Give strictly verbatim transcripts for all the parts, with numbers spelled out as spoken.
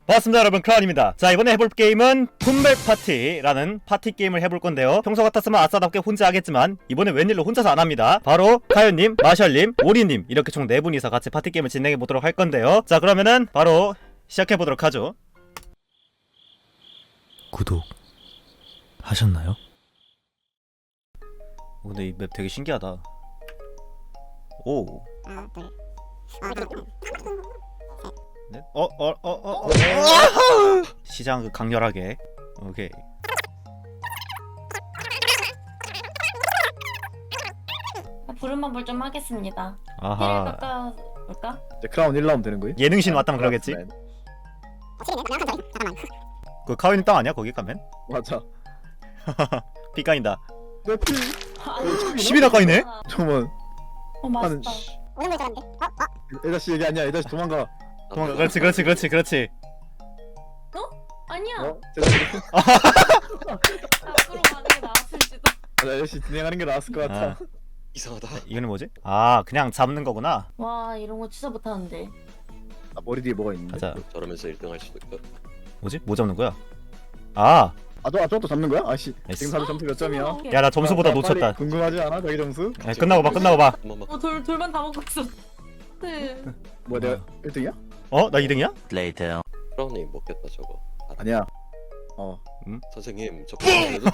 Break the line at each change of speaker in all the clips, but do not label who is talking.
반갑습니다 여러분, 크라운입니다. 자, 이번에 해볼 게임은 분별 파티라는 파티 게임을 해볼 건데요, 평소 같았으면 아싸답게 혼자 하겠지만 이번에 웬일로 혼자서 안 합니다. 바로 카윤님, 마셜님, 오리님 이렇게 총 네 분이서 같이 파티 게임을 진행해 보도록 할 건데요. 자, 그러면은 바로 시작해 보도록 하죠. 구독 하셨나요? 오, 근데 이 맵 되게 신기하다. 오.
하나, 둘, 아, 둘,
네? 어, 어, 어, 어, 어. 시장 그 강렬하게. 오케이.
부름만 볼 좀 하겠습니다. 힐
아하.
깎아볼까?
이제 크라운 일 라운드 되는 거예요?
예능신 왔다면 그러겠지?
네,
확실히네. 그냥 한 잠깐만.
그 카윈님 땅 아니야? 거기 가면?
맞아.
피 까인다.
내 피.
십이나 까이네?
잠깐만.
어
하는.
맛있다.
오는 걸 줄 알았는데. 어? 어?
에다씨 얘기 아니야. 에다씨 도망가.
도망가. 그렇지, 그렇지, 그렇지, 그렇지.
아니야.
어? 제가
앞으로 가는 게 나았을지도.
맞아. 에다씨 진행하는 게 나았을 것 같아.
아,
이상하다.
이거는 뭐지? 아, 그냥 잡는 거구나.
와 이런 거 진짜 못하는데.
아, 머리 뒤에 뭐가 있는데?
가자.
저러면서 일 등 할 수도 있고.
뭐지? 뭐 잡는 거야? 아,
아, 너 저것도 잡는 거야? 아씨.
나이스.
지금 다들 점수 몇 점이야?
야, 나 점수보다
빨리,
놓쳤다.
빨리 궁금하지 않아? 자기 점수?
야, 끝나고 봐, 끝나고 봐.
한 번만.
어돌 돌만 다 먹고 있어. 네.
뭐야, 내가 일 등이야?
어? 나 이 등이야?
크라운님 먹겠다 저거. 아,
아니야. 어.
선생님 저 크라운에도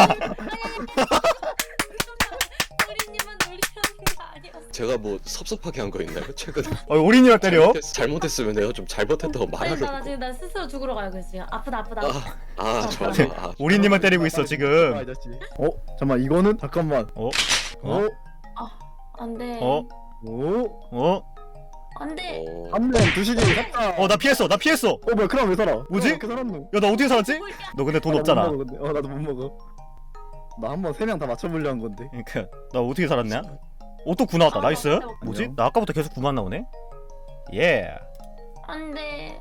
우리님은 놀리는 게 아니었어.
제가 뭐 섭섭하게 한 거 있나요? 최근에
어, 오리님을 때려?
잘못했, 잘못했으면 내가 좀 잘못했다고
아니
말하려고.
나 지금 나 스스로 죽으러 가고 있어요. 아프다 아프다.
아, 아 좋아.
네.
좋아. 아,
오리님을 때리고 있어,
아,
지금.
아저씨. 어? 잠깐만, 이거는? 잠깐만.
어?
어?
어?
안돼.
어?
오?
어?
안돼.
어,
한 명, 두시기, 샀다.
어, 나 피했어, 나 피했어.
어, 뭐야, 크라운 왜 살아?
뭐지?
어떻게 살았노?
야, 나 어떻게 살았지? 너 근데 돈
아, 나
없잖아.
못 먹어, 근데. 어, 나도 못 먹어. 나 한 번 세 명 다 맞춰보려 한 건데.
그니까 나 어떻게 살았냐? 오, 또 구 나왔다. 나이스. 뭐지? 나 아까부터 계속 구만 나오네? 예.
안돼.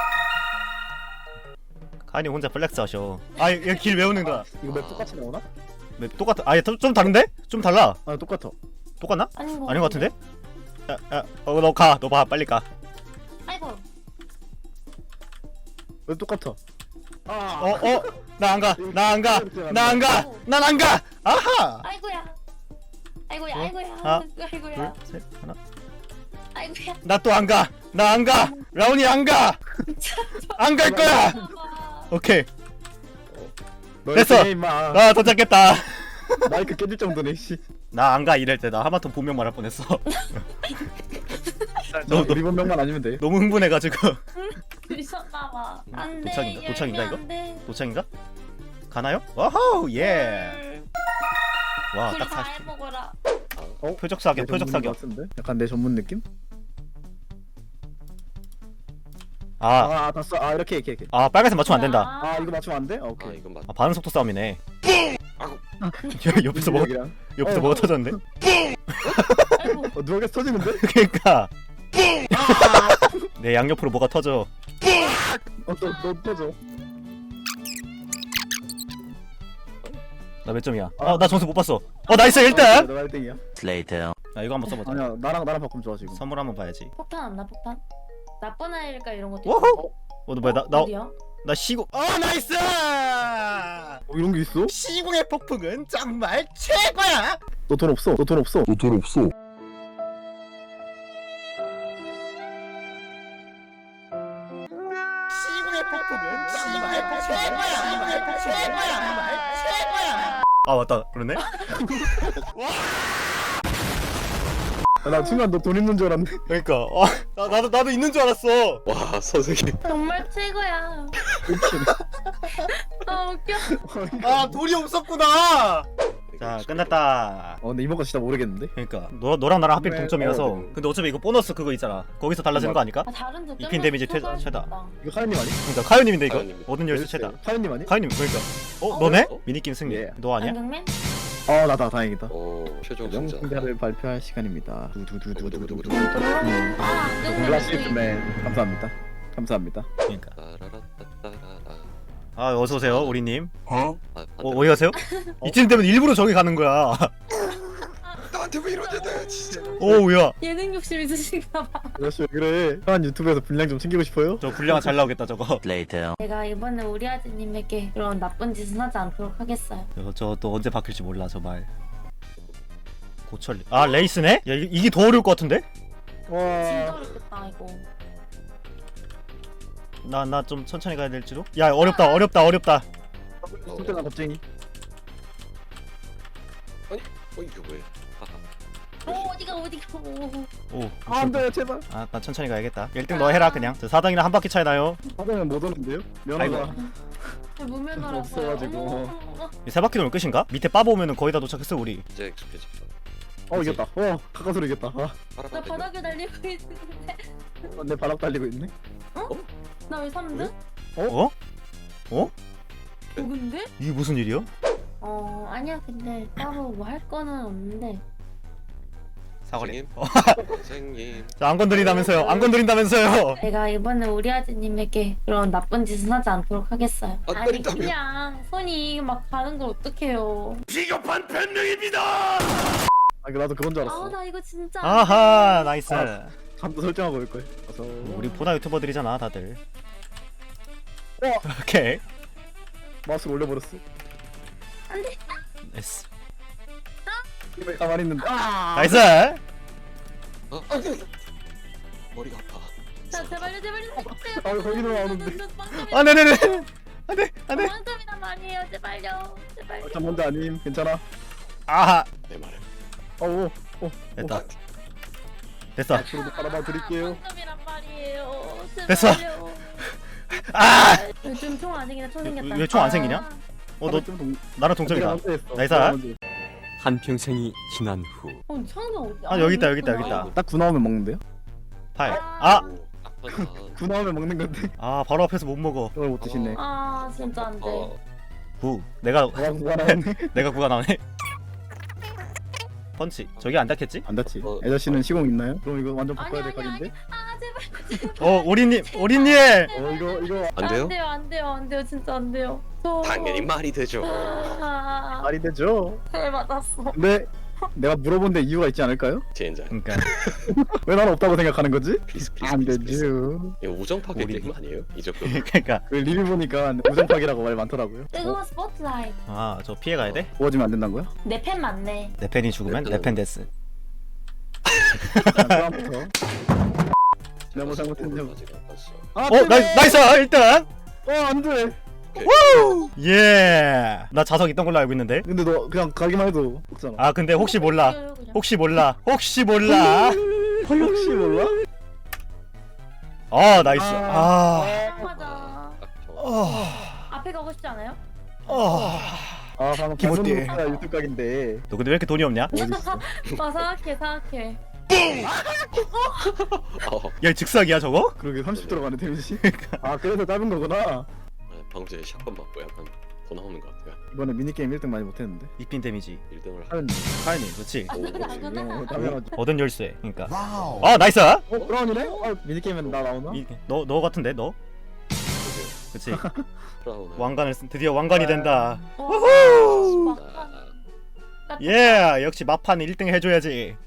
카니 혼자 플렉스 하셔. 아, 여기 길 외우는 거야.
이거 맵 똑같이 나오나?
맵 똑같아. 아예 좀, 좀 다른데? 좀 달라.
아, 똑같아.
똑같나?
아닌 거
아닌 것 같은데? 야, 야, 어, 너 가. 너 봐. 빨리 가.
아이고.
왜 똑같아? 아,
어, 어? 나 안 가. 나 안 가. 나 안 가. 난 안 가. 아하.
아이고야. 아이고야
어?
아이고야.
하나,
아이고야.
둘, 셋, 하나.
아이고야.
나 또 안 가. 나 안 가. 라온이 안 가. 안 갈 거야. 오케이.
너
됐어.
이렇게 해, 임마.
아, 도착했다.
마이크 깨질 정도네, 씨.
나 안 가 이럴 때 나 하마터 본명 말할 뻔했어.
너,
너-
우리 본명만 아니면 돼.
너무 흥분해가지고.
미쳤나봐. 안돼.
도착인가? 도착인가, 이거?
안돼.
도착인가? 가나요? 와호 예. 와,
둘
딱
다
사십.
해먹어라.
표적 사격,
내
표적
전문인
사격.
것 같은데? 약간 내 전문 느낌?
아,
아, 다 써. 아, 이렇게, 이렇게, 이렇게.
아 빨간색 맞추면 안 된다.
아, 이거 맞추면 안 돼? 아,
아
오케이.
이건 맞.
아, 반응 속도 싸움이네.
아이고.
옆에서 뭐
여기랑.
옆에서
어,
뭐가
어.
터졌는데?
아이고.
어, 누가 계속 터지는데?
그러니까 내 양옆으로 뭐가 터져.
어, 너, 너 터져.
나 몇 점이야?
아.
어, 나 점수 못 봤어. 어, 나이스 일 등.
너가 일 등이야.
나 이거 한번 써보자.
아니야, 나랑, 나랑 바꾸면 좋아, 지금.
선물 한번 봐야지.
폭탄 안 나 폭탄? 나쁜 아이일까 이런 것도.
워호.
있고.
어, 너 뭐야? 나 나
어디야?
나 시공. 어, 나이스.
어, 이런 게 있어?
시공의 폭풍은 정말 최고야.
너 돈 없어. 너 돈 없어.
너 돈 없어.
시공의 폭풍은 정말 최고야. 최고야. 정말 최고야. 아, 맞다. 그러네.
야, 나 순간 너 돈 있는 줄 알았네.
그러니까 어, 나 나도 나도 있는 줄 알았어.
와 선생님.
정말 최고야. 아 웃겨.
아, 돌이 없었구나. 자, 끝났다.
어, 근데 이번 거 진짜 모르겠는데?
그러니까 너 너랑 나랑 하필
네,
동점이어서.
어, 네.
근데 어차피 이거 보너스 그거 있잖아. 거기서 달라지는 거 아닐까?
아 다른 득점.
이핀 데미지 최- 최다.
이거 카연님 아니?
그러니까 카유님인데 이거
카유님입니다.
얻은 열쇠 최다.
카연님 아니?
카유님 그러니까. 어,
어?
너네?
어?
미니게임 승리.
예.
너 아니야?
안경맨?
어, 나다. 다행이다.
오 최종 승자.
명승자를 발표할 시간입니다. 두두두두두두두. 음.
아 안경맨.
글라시맨 감사합니다. 감사합니다.
그러니까.
따라라따따라라.
아, 어서 오세요, 우리님.
어?
아,
어, 어디 가세요? 이쯤 되면 일부러 저기 가는 거야.
나한테 왜 이러냐 내 진짜.
오우야.
예능 욕심 있으신가 봐.
아저씨 왜 그래? 한 유튜브에서 분량 좀 챙기고 싶어요?
저 분량 잘 나오겠다 저거.
제가 이번에 우리 아드님에게 그런 나쁜 짓은 하지 않도록 하겠어요.
저 또 언제 바뀔지 몰라 저 말. 고철리. 아 레이스네? 야 이, 이게 더 어려울 것 같은데?
진짜
와.
어렵겠다 이거.
나 나 좀 천천히 가야 될지도? 야 어렵다 어렵다 어렵다.
진짜 나 겁쟁이.
어 이게 뭐야?
어 어디가 어디가. 오.
오.
아, 안 돼, 제발.
아, 나 천천히 가야겠다. 일 등 너 해라 그냥. 저 사 등이랑 한 바퀴 차이 나요.
하다면 못 오는데요? 면허가.
무면허라서.
없어가지고.
이 세 바퀴 돌면 끝인가? 밑에 빠보 오면은 거의 다 도착했어 우리.
이제 익숙해져.
어, 이겼다. 어, 가까스로 이겼다. 아,
나 바닥에 달리고 있는데.
어, 내 바닥 달리고 있네.
나 왜 삼 등?
어? 어?
누군데?
이게 무슨 일이야?
어 아니야 근데 따로 뭐 할 거는 없는데.
사거리.
선생님. 선생님.
자, 안 건드린다면서요. 안 건드린다면서요.
제가 이번에 우리 아드님에게 그런 나쁜 짓은 하지 않도록 하겠어요.
안
아니
때린다며?
그냥 손이 막 가는 걸 어떡해요.
비겁한 변명입니다.
아, 이거 나도 그건 줄 알았어.
아 나 이거 진짜. 안
아하,
돼.
나이스.
아. 잠도 설정하고 올 걸. 어서.
우리 보나 유튜버들이잖아, 다들.
어.
오케이.
마우스 올려버렸어.
나이스.
왜 가만히 있는데? 아.
나이스.
어? 머리가 아파.
자 제발요 제발요.
아, 거기로 나오는데.
아, 네네네. 안돼, 안돼.
빵점이란 말이에요 제발요 제발요.
저 먼저 아님, 괜찮아.
아하.
내 말을.
어, 오, 오.
됐다. 됐어.
앞으로도 바라봐 드릴게요.
빵점이란 말이에요.
됐어.
제발요.
아.
요즘 총 안 생기나 총 생겼다.
왜 총 안 생기냐?
아,
어, 너
좀 동...
나랑 동점이다. 나이스.
한평생이 지난 후
어 창도 어디?
아, 여기 있다, 여기 있다, 여기 있다.
딱 구 나오면 먹는데요?
팔. 아,
아프다.
구 나오면 먹는 건데
아, 바로 앞에서 못 먹어.
그걸 못 드시네.
아 진짜 안 돼.
어.
구. 내가
내가 구가 나오네.
내가 구가 나오네. 펀치. 저기 안 닿겠지?
안 닿지.
어,
애저씨는 시공 있나요? 그럼 이거 완전
아니
바꿔야 될
아니 아니.
각인데.
아 제발.
어, 오리님, 오리님.
어, 이거 이거
안 돼요?
안 돼요 안 돼요 안 돼요 진짜 안 돼요. 저.
당연히 말이 되죠.
아,
말이 되죠.
잘 맞았어.
근데 내가 물어본데 이유가 있지 않을까요?
젠장.
그러니까
왜 나는 없다고 생각하는 거지?
플리즈 플리즈.
안
플리즈, 플리즈.
되죠.
이거 우정 파괴
우리-
게임 아니에요? 이 정도.
그러니까
그 리뷰 보니까 우정팍이라고 말 많더라고요.
뜨거운 스포트라이트.
아, 저 피해 가야 돼?
구워지면 안 된다는 거야?
내 팬 맞네.
내 팬이 죽으면 내 팬 데스.
다음부터 내가 뭐 잘못했냐고.
아직 안 봤어.
아,
어, 나이스, 나이스. 일단.
어, 안 돼.
예. 나 자석 있던 걸로 알고 있는데.
근데 너 그냥 가기만 해도 먹잖아.
아, 근데 혹시 몰라.
그냥.
혹시 몰라. 혹시 몰라.
혹시 몰라?
아, 나이스. 아.
아, 맞아.
아, 저-
아.
앞에 가고 싶지 않아요?
아.
아, 방금
기본띠.
방금 유튜브 각인데.
너 근데 왜 이렇게 돈이 없냐?
어딨어?
아 생각해 생각해.
어.
야, 즉사기야 저거?
그러게 삼십 들어가네 데미지. 아, 그래서 짧은 거구나.
네, 방금 전에 샷건 맞고 약간 더 나오는 것 같아요.
이번에 미니게임 일 등 많이 못했는데.
이핀 데미지.
일 등을 하.
하연
카이님, 그렇지.
오,
나구나.
어, 당연하지.
얻은 열쇠. 그러니까. 아, 나이스.
어, 브라운이네? 아, 미니게임은 나 나오나?
이- 너, 너 같은데 너? 그렇지.
브라운.
왕관을 쓴 드디어 왕관이 된다.
어,
아,
막-
예, 역시 마판 일 등 해줘야지.